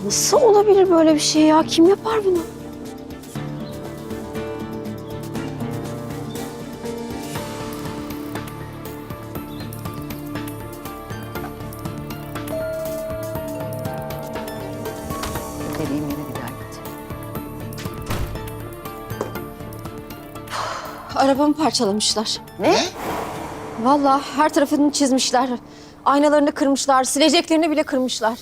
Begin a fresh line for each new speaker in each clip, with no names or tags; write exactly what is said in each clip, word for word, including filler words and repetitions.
Nasıl olabilir böyle bir şey ya? Kim yapar bunu?
Dediğim yere bir daha git.
Arabamı parçalamışlar.
Ne?
Vallahi her tarafını çizmişler. Aynalarını kırmışlar, sileceklerini bile kırmışlar.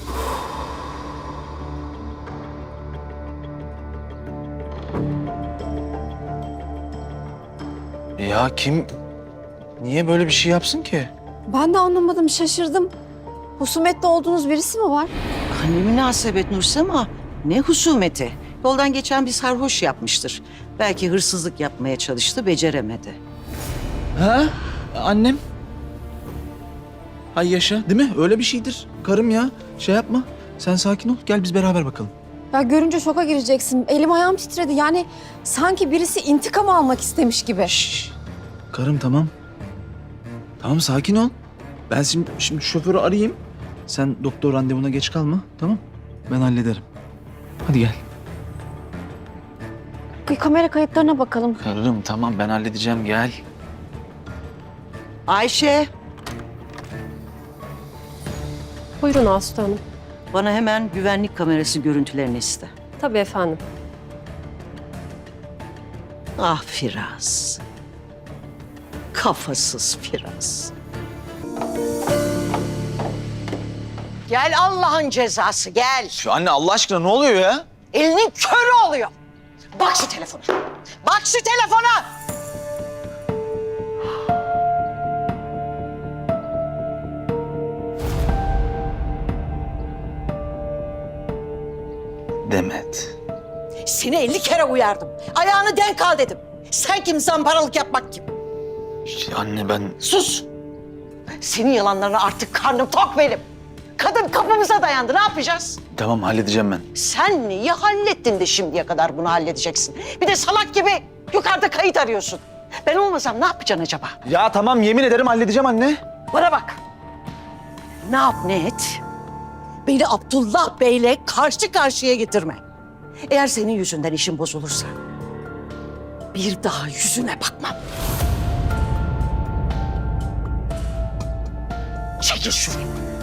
Ya kim, niye böyle bir şey yapsın ki?
Ben de anlamadım, şaşırdım. Husumetli olduğunuz birisi mi var?
Ne münasebet Nursema. Ne husumeti. Yoldan geçen bir sarhoş yapmıştır. Belki hırsızlık yapmaya çalıştı, beceremedi.
Ha? Annem? Hay yaşa, değil mi? Öyle bir şeydir. Karım ya, şey yapma. Sen sakin ol, gel biz beraber bakalım.
Ya görünce şoka gireceksin. Elim ayağım titredi. Yani sanki birisi intikam almak istemiş gibi.
Şşş. Karım tamam. Tamam sakin ol. Ben şimdi, şimdi şoförü arayayım. Sen doktor randevuna geç kalma, tamam? Ben hallederim. Hadi gel.
Bir kamera kayıtlarına bakalım.
Karım tamam ben halledeceğim, gel.
Ayşe,
Buyurun Aslı Hanım.
bana hemen güvenlik kamerası görüntülerini iste.
Tabii efendim.
Ah Firaz. Kafasız Firaz. Gel Allah'ın cezası, gel.
Şu anne Allah aşkına ne oluyor ya?
Elinin körü oluyor. Bak şu telefona. Bak şu telefona.
Demet.
Seni elli kere uyardım. Ayağını denk al dedim. Sen kim, zamparalık yapmak kim?
İşte anne ben...
Sus. Senin yalanlarına artık karnım tok benim. Kadın kapımıza dayandı. Ne yapacağız?
Tamam halledeceğim ben.
Sen neyi hallettin de şimdiye kadar bunu halledeceksin? Bir de salak gibi yukarıda kayıt arıyorsun. Ben olmasam ne yapacaksın acaba?
Ya tamam yemin ederim halledeceğim anne.
Bana bak. Ne yap ne et? Beni Abdullah Bey'le karşı karşıya getirme. Eğer senin yüzünden işim bozulursa bir daha yüzüne bakmam. Çekil şuraya.